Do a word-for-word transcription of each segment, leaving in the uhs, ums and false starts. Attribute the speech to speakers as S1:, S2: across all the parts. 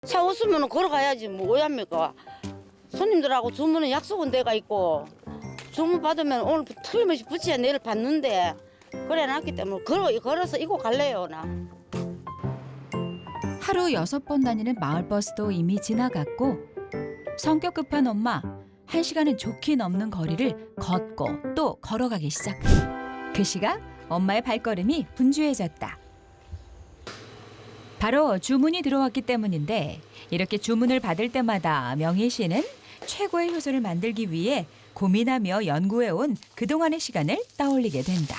S1: 차 없으면 걸어가야지 뭐 어합니까. 손님들하고 주문은 약속은 데가 있고 주문 받으면 오늘 틀림없이 붙여야 내일 받는데 그래 놨기 때문에 걸어, 걸어서 이고 갈래요 나.
S2: 하루 여섯 번 다니는 마을버스도 이미 지나갔고 성격 급한 엄마 한 시간은 좋게 넘는 거리를 걷고 또 걸어가기 시작. 그 시각 엄마의 발걸음이 분주해졌다. 바로 주문이 들어왔기 때문인데 이렇게 주문을 받을 때마다 명희 씨는 최고의 효소를 만들기 위해 고민하며 연구해온 그동안의 시간을 떠올리게 된다.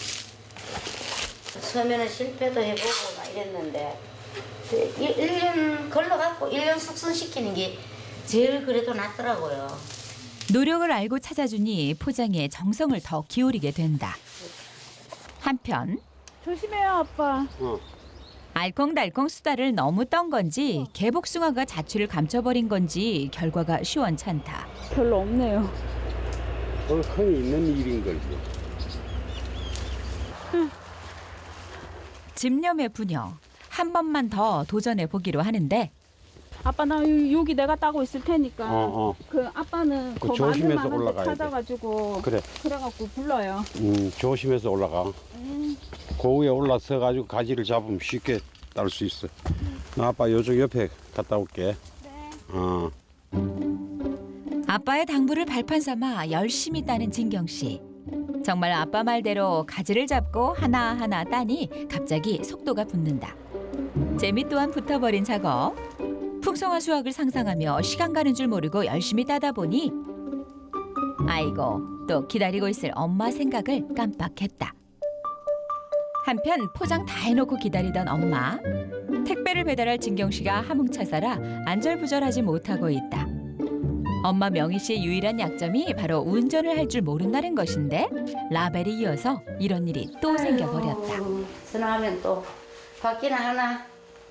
S1: 처음에는 실패도 해보고 막 이랬는데 일 년 걸러갖고 일 년 숙성시키는 게 제일 그래도 낫더라고요.
S2: 노력을 알고 찾아주니 포장에 정성을 더 기울이게 된다. 한편
S3: 조심해요, 아빠.
S4: 어.
S2: 알콩달콩 수다를 너무 떤 건지 개복숭아가 자취를 감춰버린 건지 결과가 시원찮다.
S3: 별로 없네요.
S4: 흔히 있는 일인 걸지.
S2: 집념의 부녀 한 번만 더 도전해 보기로 하는데
S3: 아빠 나 요- 여기 내가 따고 있을 테니까
S4: 어, 어.
S3: 그 아빠는
S4: 그
S3: 그
S4: 조심해서
S3: 마늘만 한
S4: 올라가야
S3: 대
S4: 돼.
S3: 찾아가지고
S4: 그래.
S3: 그래갖고 불러요.
S4: 음, 조심해서 올라가.
S3: 음.
S4: 그 위에 올라서 가지고 가지를 잡으면 쉽게 딸 수 있어. 나 아빠 요쪽 옆에 갔다 올게.
S3: 네.
S4: 어.
S2: 아빠의 당부를 발판 삼아 열심히 따는 진경 씨. 정말 아빠 말대로 가지를 잡고 하나하나 따니 갑자기 속도가 붙는다. 재미 또한 붙어버린 작업. 풍성한 수확을 상상하며 시간 가는 줄 모르고 열심히 따다 보니 아이고 또 기다리고 있을 엄마 생각을 깜빡했다. 한편 포장 다 해놓고 기다리던 엄마. 택배를 배달할 진경 씨가 하몽차사라 안절부절하지 못하고 있다. 엄마 명희 씨의 유일한 약점이 바로 운전을 할 줄 모른다는 것인데 라벨이 이어서 이런 일이 또 생겨버렸다.
S1: 전화하면 또 받기나 하나.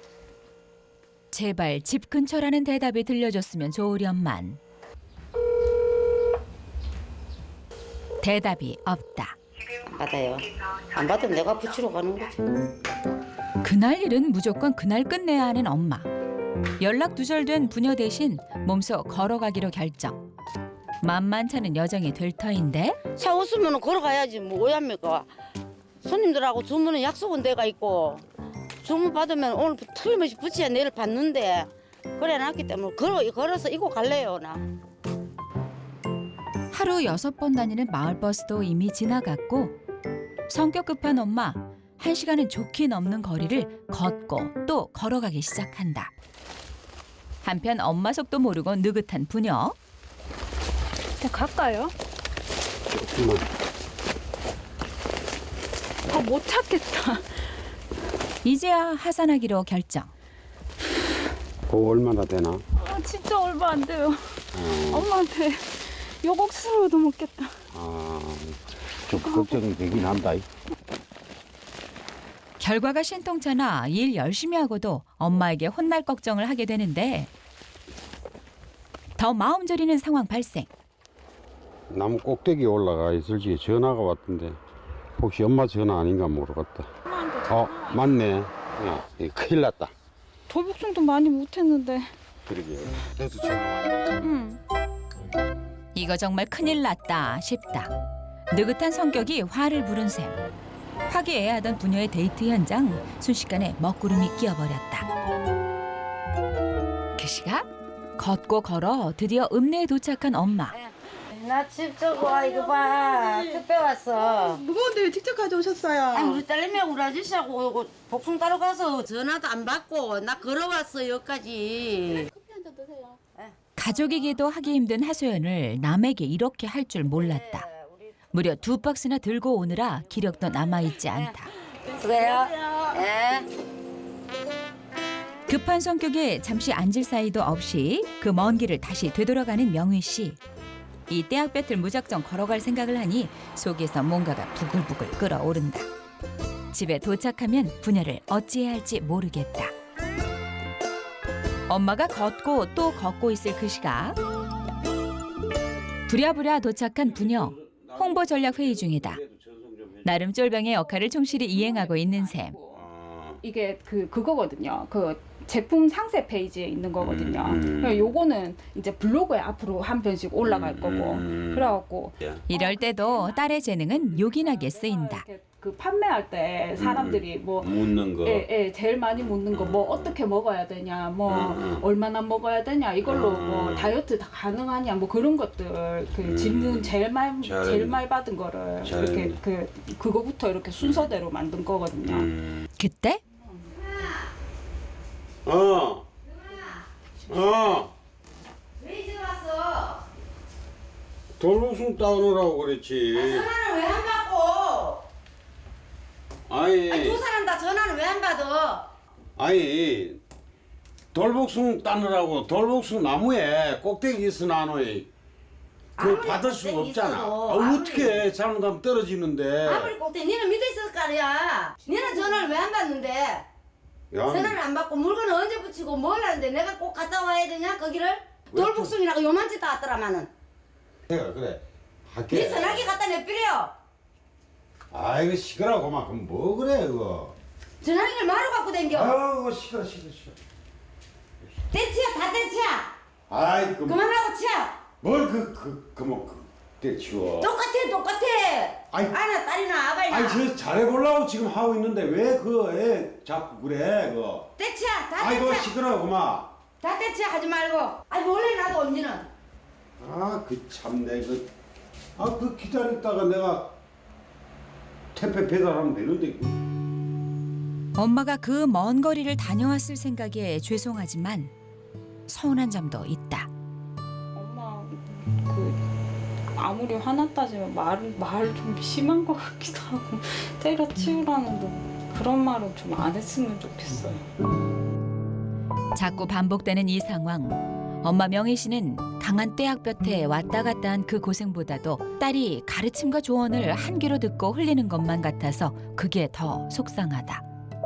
S2: 제발 집 근처라는 대답이 들려줬으면 좋으련만. 대답이 없다.
S1: 안 받아요. 안 받으면 내가 붙이러 가는 거지.
S2: 그날 일은 무조건 그날 끝내야 하는 엄마. 연락 두절된 부녀 대신 몸소 걸어가기로 결정. 만만찮은 여정이 될 터인데
S1: 차 없으면 걸어가야지 뭐 어합니까. 손님들하고 주문은 약속은 데가 있고 주문 받으면 오늘 틀림없이 붙여야 내일 받는데 그래 놨기 때문에 걸어, 걸어서 이고 갈래요 나.
S2: 하루 여섯 번 다니는 마을버스도 이미 지나갔고 성격 급한 엄마 한 시간은 좋게 넘는 거리를 걷고 또 걸어가기 시작한다. 한편 엄마 속도 모르고 느긋한 부녀.
S3: 그냥 갈까요?
S4: 조금만.
S3: 더 못 찾겠다.
S2: 이제야 하산하기로 결정.
S4: 그거 얼마나 되나?
S3: 아, 진짜 얼마 안 돼요.
S4: 어.
S3: 엄마한테 욕 억수로도 먹겠다.
S4: 아, 좀 걱정이 되긴 한다.
S2: 결과가 신통찮아 일 열심히 하고도 엄마에게 혼날 걱정을 하게 되는데 더 마음 졸이는 상황 발생.
S4: 나무 꼭대기에 올라가 있을지 전화가 왔던데 혹시 엄마 전화 아닌가 모르겠다.
S3: 엄마한테
S4: 어,
S3: 전화.
S4: 맞네. 예, 큰일 났다.
S3: 돌복숭도 많이 못했는데.
S4: 그러게. 그래서 전화 왔네.
S3: 응.
S2: 이거 정말 큰일 났다 싶다. 느긋한 성격이 화를 부른 셈. 화기애애하던 부녀의 데이트 현장 순식간에 먹구름이 끼어버렸다. 그 시각 걷고 걸어 드디어 읍내에 도착한 엄마.
S1: 나 집 저거 와 이거 봐 택배 왔어.
S5: 무거운데 왜 직접 가져오셨어요?
S1: 아 우리 딸내미하고 우리 아저씨하고 이거 복숭 따러 가서 전화도 안 받고 나 걸어왔어 여기까지.
S3: 커피 한 잔 드세요.
S2: 가족이기도 하기 힘든 하소연을 남에게 이렇게 할 줄 몰랐다. 무려 두 박스나 들고 오느라 기력도 남아있지 않다.
S1: 수고해요. 예.
S2: 급한 성격에 잠시 앉을 사이도 없이 그 먼 길을 다시 되돌아가는 명희 씨. 이 떼약볕을 무작정 걸어갈 생각을 하니 속에서 뭔가가 부글부글 끓어오른다. 집에 도착하면 부녀를 어찌해야 할지 모르겠다. 엄마가 걷고 또 걷고 있을 그 시각. 부랴부랴 도착한 부녀. 홍보 전략 회의 중이다. 나름 쫄병의 역할을 충실히 이행하고 있는 셈.
S3: 이게 그 그거거든요. 그 제품 상세 페이지에 있는 거거든요.
S4: 음, 음.
S3: 그래서 요거는 이제 블로그에 앞으로 한 편씩 올라갈
S4: 음,
S3: 거고.
S4: 음.
S3: 그래갖고
S2: 이럴 때도 딸의 재능은 요긴하게 쓰인다.
S3: 이렇게 그 판매할 때 사람들이 뭐
S4: 묻는 거.
S3: 예, 예, 제일 많이 묻는 거 뭐 어떻게 먹어야 되냐, 뭐
S4: 음, 음.
S3: 얼마나 먹어야 되냐, 이걸로
S4: 음.
S3: 뭐 다이어트 다 가능하냐, 뭐 그런 것들 그
S4: 음.
S3: 질문 제일 많이
S4: 잘했네.
S3: 제일 많이 받은 거를
S4: 잘했네.
S3: 이렇게 그 그거부터 이렇게 순서대로 만든 거거든요.
S4: 음.
S2: 그때
S4: 어. 어.
S1: 왜 이제 왔어?
S4: 돌복숭 따오느라고 그랬지.
S1: 전화는 왜 안 받고?
S4: 아니,
S1: 아니 두 사람 다 전화는 왜 안 받아?
S4: 아니, 돌복숭 따느라고 돌복숭 나무에 꼭대기 있어 나노에 그
S1: 아무리
S4: 받을 수가
S1: 꼭대기
S4: 없잖아.
S1: 있어도,
S4: 아,
S1: 아무리-
S4: 어떻게 잘못하면 떨어지는데.
S1: 아무리 꼭대 니는 믿어 있을 거 아니야. 니는 전화를 왜 안 받는데?
S4: 야,
S1: 전화를 안 받고 물건을 언제 붙이고 뭘 하는데 내가 꼭 갔다 와야 되냐 거기를?
S4: 왜
S1: 돌복숭이라고 요만치 다 왔더라마는.
S4: 내가 그래.
S1: 니
S4: 할게.
S1: 전화기 갖다 내버려.
S4: 아이고 시끄러워 막 그럼 뭐 그래 그거.
S1: 전화기를 마루 갖고 댕겨.
S4: 아이고 시끄러 시끄러 시끄러.
S1: 떼치야 다 떼치야.
S4: 아이 그
S1: 그만하고 치야.
S4: 뭘그그그뭐 때치워.
S1: 똑같아 똑같아.
S4: 아이.
S1: 아나 딸이나 아바이나.
S4: 아니 저 잘해보려고 지금 하고 있는데 왜 그 애 자꾸 그래 그거.
S1: 떼치야 다
S4: 아이고
S1: 떼치야.
S4: 시끄러워 그만.
S1: 다 떼치야 하지 말고. 아니 원래 나도 언니는.
S4: 아 그 참내 그. 아 그 기다렸다가 내가 택배 배달하면 되는데. 그.
S2: 엄마가 그 먼 거리를 다녀왔을 생각에 죄송하지만 서운한 점도 있다.
S3: 엄마 그 아무리 화났다지만 말을 말 좀 심한 것 같기도 하고 때려치우라는 뭐 그런 말은 좀 안 했으면 좋겠어요.
S2: 자꾸 반복되는 이 상황. 엄마 명희 씨는 강한 떼약볕에 왔다 갔다 한 그 고생보다도 딸이 가르침과 조언을 한 귀로 듣고 흘리는 것만 같아서 그게 더 속상하다.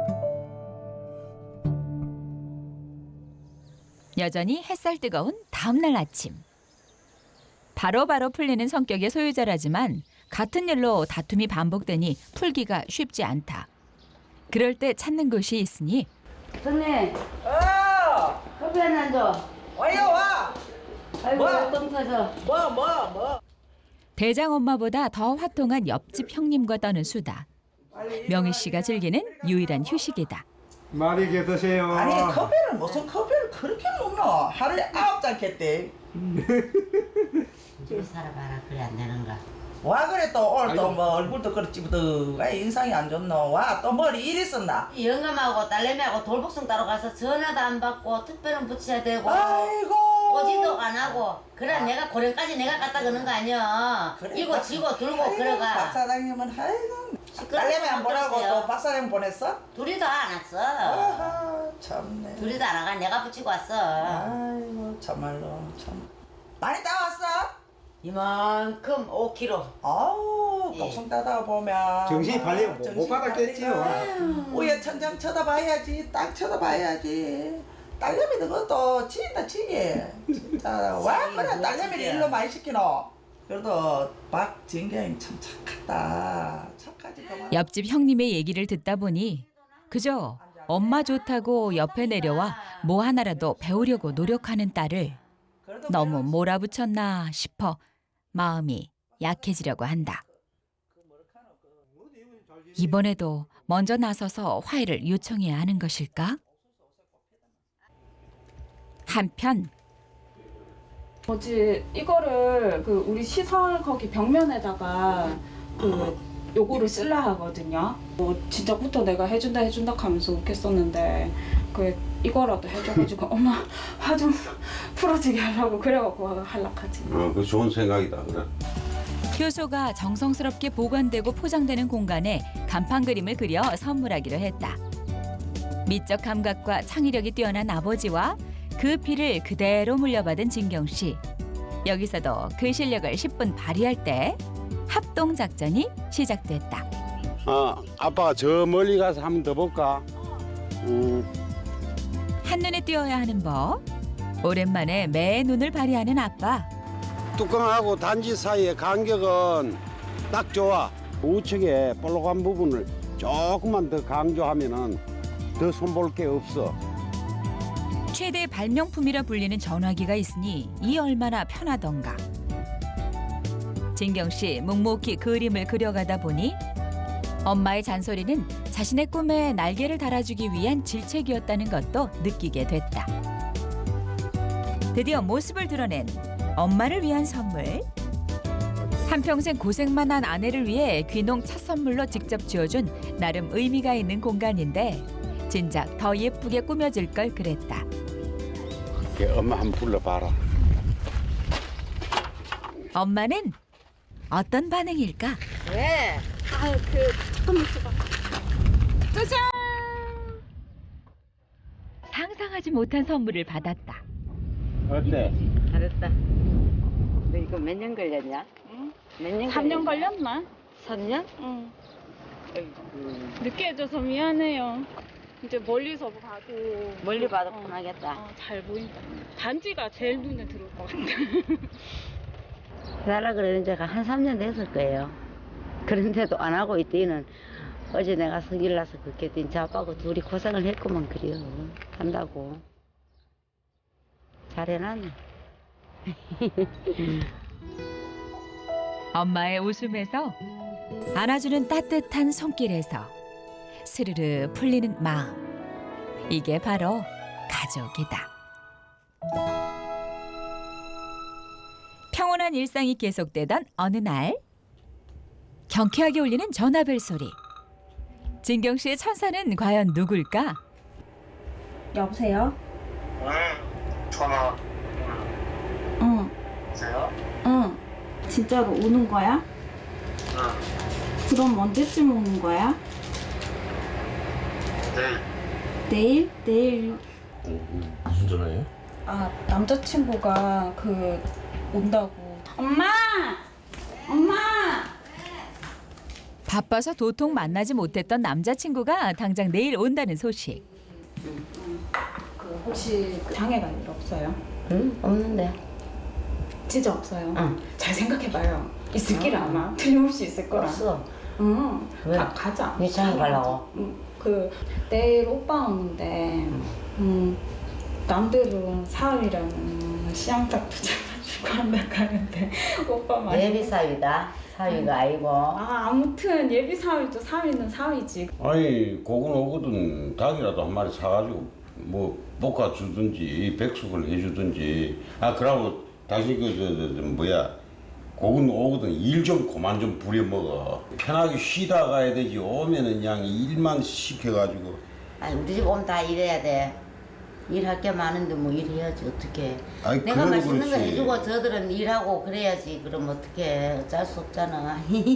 S2: 여전히 햇살 뜨거운 다음 날 아침. 바로바로 풀리는 성격의 소유자라지만 같은 일로 다툼이 반복되니 풀기가 쉽지 않다. 그럴 때 찾는 곳이 있으니
S1: 선님
S5: 어,
S1: 커피 하나 줘.
S5: 와요 와.
S1: 아이고
S5: 뭐야?
S1: 똥 터져.
S5: 뭐 뭐 뭐.
S2: 대장 엄마보다 더 화통한 옆집 형님과 떠는 수다. 명희 씨가 즐기는 유일한 휴식이다.
S6: 맛있게 드세요.
S5: 아니 커피를 무슨 커피를 그렇게 먹노? 하루에 아홉 잔 겠대.
S1: 좀 살아봐라 그래 안 되는가.
S5: 와 그래 또 오늘 또 뭐 얼굴도 그렇지 뭐 인상이 안 좋노. 와 또 머리 일 있었나?
S1: 이 영감하고 딸내미하고 돌복숭 따러 가서 전화도 안 받고 특별은 붙여야 되고
S5: 아이고.
S1: 오지도 안 하고 그래 내가 고령까지 내가 갖다 그는 거 아니야. 이고 지고 들고
S5: 박
S1: 그래가.
S5: 사장님은 아이고.
S1: 시끄러워
S5: 딸내미 안 보라고
S1: 죽겠어요.
S5: 또 박 사장님 보냈어?
S1: 둘이 다 안 왔어.
S5: 아하 참네.
S1: 둘이 다 안 와가 내가 붙이고 왔어.
S5: 아이고 참말로 참. 많이 따왔어?
S1: 이만큼 오 킬로그램.
S5: 아우
S1: 예.
S5: 독성 따다 보면
S6: 정신이 팔리면 못
S5: 정신이
S6: 받았겠지요.
S5: 팔리면 위에 천장 쳐다봐야지 딱 쳐다봐야지 딸내미는 그것도 지인다 지게 진짜 와
S1: 지인,
S5: 그래
S1: 뭐야,
S5: 딸내미를
S1: 지게.
S5: 일로 많이 시키노. 그래도 박진경이 참 착하다 착하지 그만.
S2: 옆집 형님의 얘기를 듣다 보니 그저 엄마 좋다고 옆에 내려와 뭐 하나라도 배우려고 노력하는 딸을
S5: 그래도
S2: 너무 몰아붙였나 싶어 마음이 약해지려고 한다. 이번에도 먼저 나서서 화해를 요청해야 하는 것일까? 한편
S3: 뭐지 이거를 그 우리 시설 거기 벽면에다가 그 요거를 쓸라 하거든요. 뭐 진작부터 내가 해준다 해준다 하면서 웃겠었는데 그 이거라도 해줘가지고 엄마 화 좀 풀어지게 하려고 그래갖고 할락하지.
S4: 어, 그 좋은 생각이다 그래.
S2: 효소가 정성스럽게 보관되고 포장되는 공간에 간판 그림을 그려 선물하기로 했다. 미적 감각과 창의력이 뛰어난 아버지와 그 피를 그대로 물려받은 진경 씨. 여기서도 그 실력을 십 분 발휘할 때 합동 작전이 시작됐다.
S4: 아 아빠가 저 멀리 가서 한 번 더 볼까? 음.
S2: 한눈에 띄어야 하는 법. 오랜만에 매의 눈을 발휘하는 아빠.
S4: 뚜껑하고 단지 사이의 간격은 딱 좋아. 우측에 볼록한 부분을 조금만 더 강조하면은 더 손볼 게 없어.
S2: 최대 발명품이라 불리는 전화기가 있으니 이 얼마나 편하던가. 진경 씨 묵묵히 그림을 그려가다 보니 엄마의 잔소리는 자신의 꿈에 날개를 달아주기 위한 질책이었다는 것도 느끼게 됐다. 드디어 모습을 드러낸 엄마를 위한 선물. 한평생 고생만 한 아내를 위해 귀농 첫 선물로 직접 지어준 나름 의미가 있는 공간인데 진작 더 예쁘게 꾸며질 걸 그랬다.
S4: 엄마 한번 불러봐라.
S2: 엄마는 어떤 반응일까?
S1: 왜?
S3: 아, 그 잠깐만 있어봐. 짜잔!
S2: 상상하지 못한 선물을 받았다.
S4: 어때?
S1: 잘했다. 너 이거 몇 년 걸렸냐?
S3: 응?
S1: 몇 년?
S3: 삼 년 걸렸나?
S1: 삼 년?
S3: 응.
S1: 음,
S3: 늦게 해줘서 미안해요. 이제 멀리서 봐도
S1: 멀리 봐도
S3: 어,
S1: 편하겠다.
S3: 어, 잘 보인다. 단지가 제일 눈에 들어올 것 같아.
S1: 해달라 그러는 지가 한 삼 년 됐을 거예요. 그런데도 안 하고 있더니는 어제 내가 성질 나서 그렇게 했더니 저 아빠하고 둘이 고생을 했구만 그래요. 한다고. 잘 해놨네.
S2: 엄마의 웃음에서 안아주는 따뜻한 손길에서 스르르 풀리는 마음. 이게 바로 가족이다. 평온한 일상이 계속되던 어느 날 경쾌하게 울리는 전화벨 소리. 진경 씨의 천사는 과연 누굴까?
S3: 여보세요?
S7: 응, 전화
S3: 응.
S7: 주세요.
S3: 응. 진짜로 오는 거야?
S7: 응,
S3: 그럼 언제쯤 오는 거야?
S7: 내일.
S3: 내일? 내일.
S8: 무슨 전화예요?
S3: 아, 남자친구가 그 온다고. 엄마! 엄마!
S2: 바빠서 도통 만나지 못했던 남자친구가 당장 내일 온다는 소식.
S3: 그 혹시 장애가 일 없어요?
S1: 응? 없는데.
S3: 진짜 없어요?
S1: 응.
S3: 잘 생각해봐요. 있을 길 아마. 틀림없이 있을 거라.
S1: 없어.
S3: 응.
S1: 왜?
S3: 가, 가자.
S1: 네 장애 가려고?
S3: 응. 그 내일 오빠 오는데 음, 남들은 사흘이라는 시향딱 붙여가지고 한다 가는데 오빠 많이
S1: 예비 사위다. 사위가 아니고.
S3: 아 아무튼 예비 사위도 사위는 사위지.
S4: 아니 고군 오거든 닭이라도 한 마리 사가지고 뭐 볶아 주든지 백숙을 해주든지. 아 그러고 당신 그저 저, 저, 뭐야 고군 오거든 일 좀 그만 좀 부려 먹어. 편하게 쉬다 가야 되지. 오면은 그냥 일만 시켜가지고.
S1: 아니 우리 집 오면 다 일해야 돼. 일할 게 많은데 뭐 일해야지 어떻게.
S4: 아이,
S1: 내가
S4: 그래도
S1: 맛있는 거
S4: 그렇지.
S1: 해주고 저들은 일하고 그래야지. 그럼 어떻게 어쩔 수 없잖아.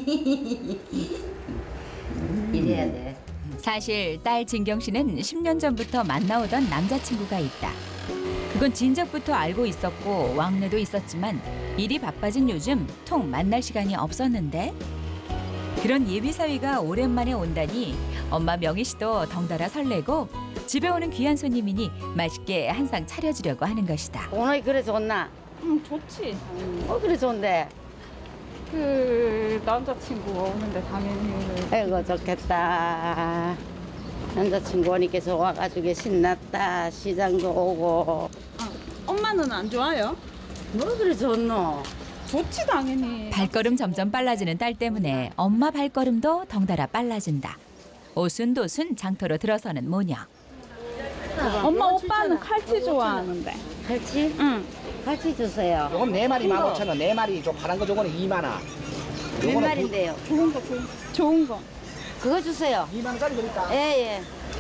S1: 일해야 돼.
S2: 사실 딸 진경 씨는 십 년 전부터 만나오던 남자친구가 있다. 그건 진작부터 알고 있었고 왕래도 있었지만 일이 바빠진 요즘 통 만날 시간이 없었는데 그런 예비 사위가 오랜만에 온다니 엄마 명희 씨도 덩달아 설레고 집에 오는 귀한 손님이니 맛있게 한 상 차려주려고 하는 것이다.
S1: 오늘 그래 좋나?
S3: 응 좋지.
S1: 어 그래 좋은데.
S3: 그 남자친구가 오는데 당연히.
S1: 아이고 좋겠다. 남자친구 오니까 좋아가지고 신났다. 시장도 오고.
S3: 아, 엄마는 안 좋아요?
S1: 뭐 그래 좋노?
S3: 좋지 당연히.
S2: 발걸음 점점 빨라지는 딸 때문에 엄마 발걸음도 덩달아 빨라진다. 오순도순 장터로 들어서는 모녀.
S3: 엄마 오빠는 칼치 좋아하는데.
S1: 갈치?
S3: 응.
S1: 갈치 주세요.
S9: 요건 네 마리 만 오천 원, 네 마리 저 파란 거 저거는 이만 원.
S1: 몇 마리인데요?
S3: 좋은 거 좋은 거. 좋은 거.
S1: 그거 주세요.
S9: 이만 원짜리 드릴까?
S1: 예예.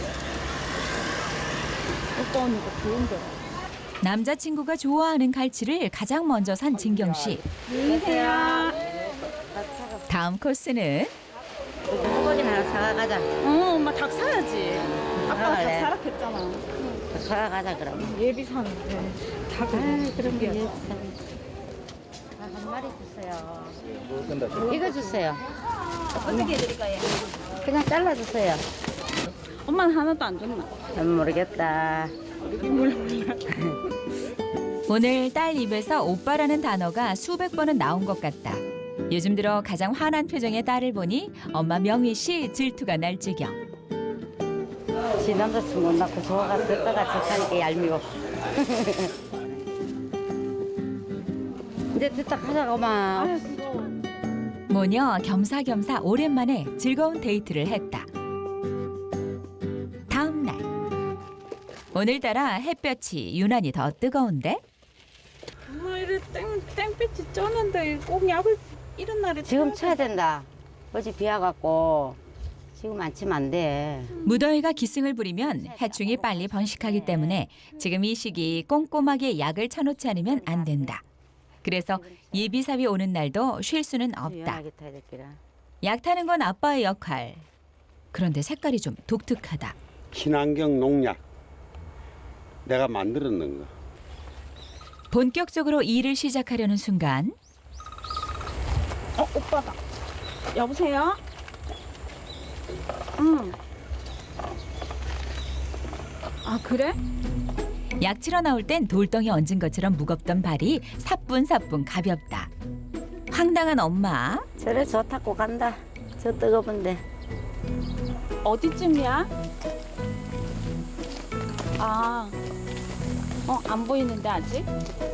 S3: 오빠 언니가 좋은 거.
S2: 남자친구가 좋아하는 갈치를 가장 먼저 산 진경 씨.
S3: 안녕하세요.
S2: 다음 코스는
S1: 소고기 하나 사가자.
S3: 어, 엄마 닭 사야지. 아빠가 닭
S1: 사갈래?
S3: 사라 했잖아.
S1: 사가자 그럼.
S3: 예비 사는데
S1: 아
S3: 닭을
S1: 그런 게 없어. 한 마리 주세요. 이거 주세요. 어떻게 해드릴까요? 그냥 잘라주세요.
S3: 엄마는 하나도 안 줬나?
S1: 난 모르겠다.
S2: 오늘 딸 입에서 오빠라는 단어가 수백 번은 나온 것 같다. 요즘 들어 가장 화난 표정의 딸을 보니 엄마 명희 씨 질투가 날 지경.
S1: 지 남자친구 낳고 좋아가 듣다가 좋다니까 얄미워. 이제 됐다 가자고만.
S2: 모녀 겸사겸사 오랜만에 즐거운 데이트를 했다. 다음 날. 오늘따라 햇볕이 유난히 더 뜨거운데
S3: 엄마 이래 땡 땡빛이 쩌는데 꼭 약을 이런 날에
S1: 지금 쳐야 된다. 어제 비 와갖고 지금 안 치면 안 돼.
S2: 무더위가 기승을 부리면 해충이 빨리 번식하기 때문에 지금 이 시기 꼼꼼하게 약을 쳐놓지 않으면 안 된다. 그래서 예비삽이 오는 날도 쉴 수는 없다.
S1: 유연하게 타야 될기라.
S2: 약 타는 건 아빠의 역할. 그런데 색깔이 좀 독특하다.
S4: 친환경 농약 내가 만들었는 거.
S2: 본격적으로 일을 시작하려는 순간
S3: 어 오빠다. 여보세요? 응. 아 그래?
S2: 약 치러 나올 땐 돌덩이 얹은 것처럼 무겁던 발이 사뿐사뿐 가볍다. 황당한 엄마.
S1: 저래 저 타고 간다. 저 뜨거운데.
S3: 어디쯤이야? 아, 어 안 보이는데 아직?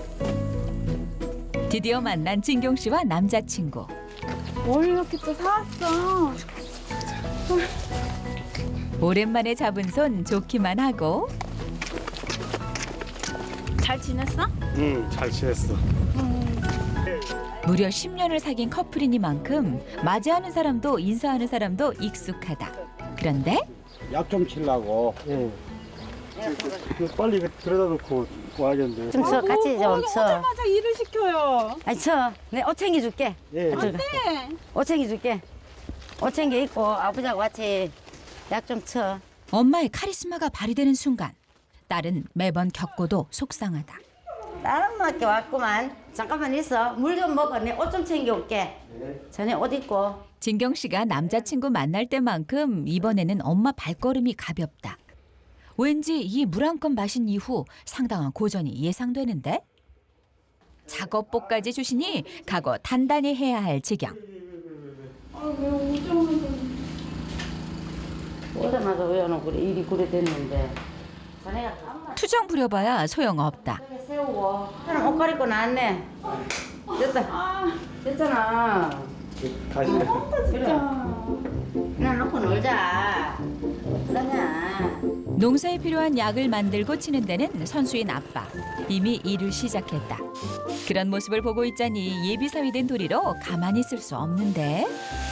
S2: 드디어 만난 진경 씨와 남자친구.
S3: 뭘 이렇게 또 사왔어?
S2: 오랜만에 잡은 손 좋기만 하고
S3: 잘 지냈어?
S6: 응, 잘 지냈어.
S2: 무려 십 년을 사귄 커플이니만큼 맞이하는 사람도 인사하는 사람도 익숙하다. 그런데
S6: 약 좀 치려고. 응. 그 빨리 들여다 놓고 와야겠는데.
S1: 좀 쳐, 같이 좀 쳐.
S3: 오자마자 일을 시켜요.
S1: 아니 쳐. 내 옷 챙겨줄게.
S6: 예.
S1: 들어가.
S3: 네.
S1: 옷 챙겨줄게. 옷 챙겨 입고 아버지하고 같이 약 좀 쳐.
S2: 엄마의 카리스마가 발휘되는 순간 딸은 매번 겪고도 속상하다.
S1: 다른 학교 왔구만. 잠깐만 있어. 물 좀 먹어. 내 옷 좀 챙겨올게. 전에 옷 입고.
S2: 진경 씨가 남자친구 만날 때만큼 이번에는 엄마 발걸음이 가볍다. 왠지 이 물 한 컵 마신 이후 상당한 고전이 예상되는데 작업복까지 주시니 각오 단단히 해야 할 지경.
S1: 오자마자 외워놓고 그래. 일이 그래 됐는데. 자네가
S2: 투정 부려봐야 소용없다.
S1: 이렇게 세우고. 저는 옷 갈아입고 나왔네. 됐다. 됐잖아.
S6: 다시.
S1: 그래. 그냥 놓고 놀자. 그러냐.
S2: 농사에 필요한 약을 만들고 치는 데는 선수인 아빠. 이미 일을 시작했다. 그런 모습을 보고 있자니 예비사위 된 도리로 가만히 있을 수 없는데.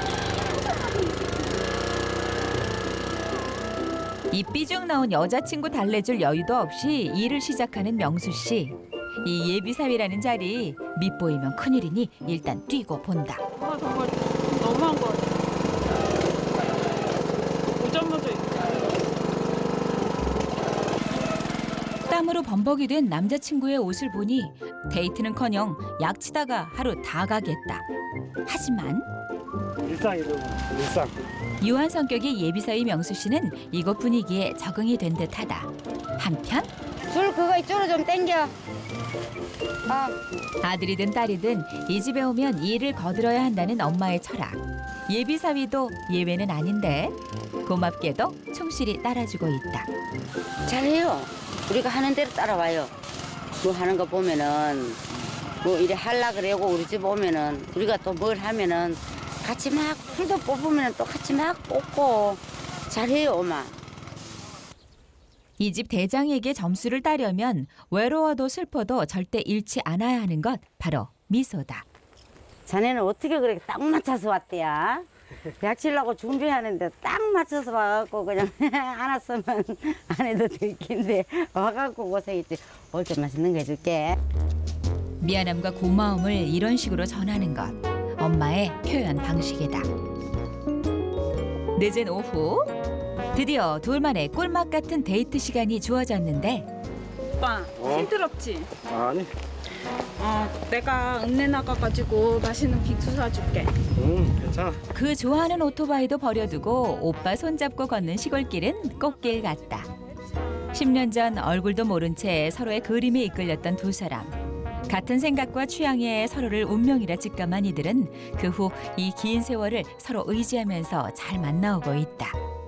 S2: 이 삐죽 나온 여자친구 달래줄 여유도 없이 일을 시작하는 명수 씨. 이 예비사위라는 자리 밑보이면 큰일이니 일단 뛰고 본다.
S3: 아 정말 너무한 거 같아. 오자마자
S2: 땀으로 범벅이 된 남자친구의 옷을 보니 데이트는커녕 약치다가 하루 다 가겠다. 하지만
S6: 일상이죠. 일상.
S2: 유한 성격의 예비사위 명수 씨는 이곳 분위기에 적응이 된 듯하다. 한편
S1: 줄 그거 이쪽으로 좀 당겨. 아,
S2: 아들이든 딸이든 이 집에 오면 일을 거들어야 한다는 엄마의 철학. 예비사위도 예외는 아닌데 고맙게도 충실히 따라주고 있다.
S1: 잘해요. 우리가 하는 대로 따라와요. 뭐 하는 거 보면은 뭐 이래 할라 그래고 우리 집 오면은 우리가 또 뭘 하면은 같이 막 풀도 뽑으면 또 같이 막 뽑고 잘해요, 엄마.
S2: 이 집 대장에게 점수를 따려면 외로워도 슬퍼도 절대 잃지 않아야 하는 것 바로 미소다.
S1: 자네는 어떻게 그렇게 딱 맞춰서 왔대야? 약 치려고 준비하는데 딱 맞춰서 와갖고 그냥 안 왔으면 안 해도 될 텐데 와갖고 고생했지. 올 때 맛있는 거 해줄게.
S2: 미안함과 고마움을 이런 식으로 전하는 것. 엄마의 표현 방식이다. 늦은 오후 드디어 둘만의 꿀맛 같은 데이트 시간이 주어졌는데
S3: 오빠
S6: 어?
S3: 힘들었지?
S6: 아니.
S3: 어 내가 읍내 나가가지고 맛있는 빅수 사줄게.
S6: 응, 괜찮아.
S2: 그 좋아하는 오토바이도 버려두고 오빠 손잡고 걷는 시골길은 꽃길 같다. 십 년 전 얼굴도 모른 채 서로의 그림에 이끌렸던 두 사람. 같은 생각과 취향에 서로를 운명이라 직감한 이들은 그 후 이 긴 세월을 서로 의지하면서 잘 만나오고 있다.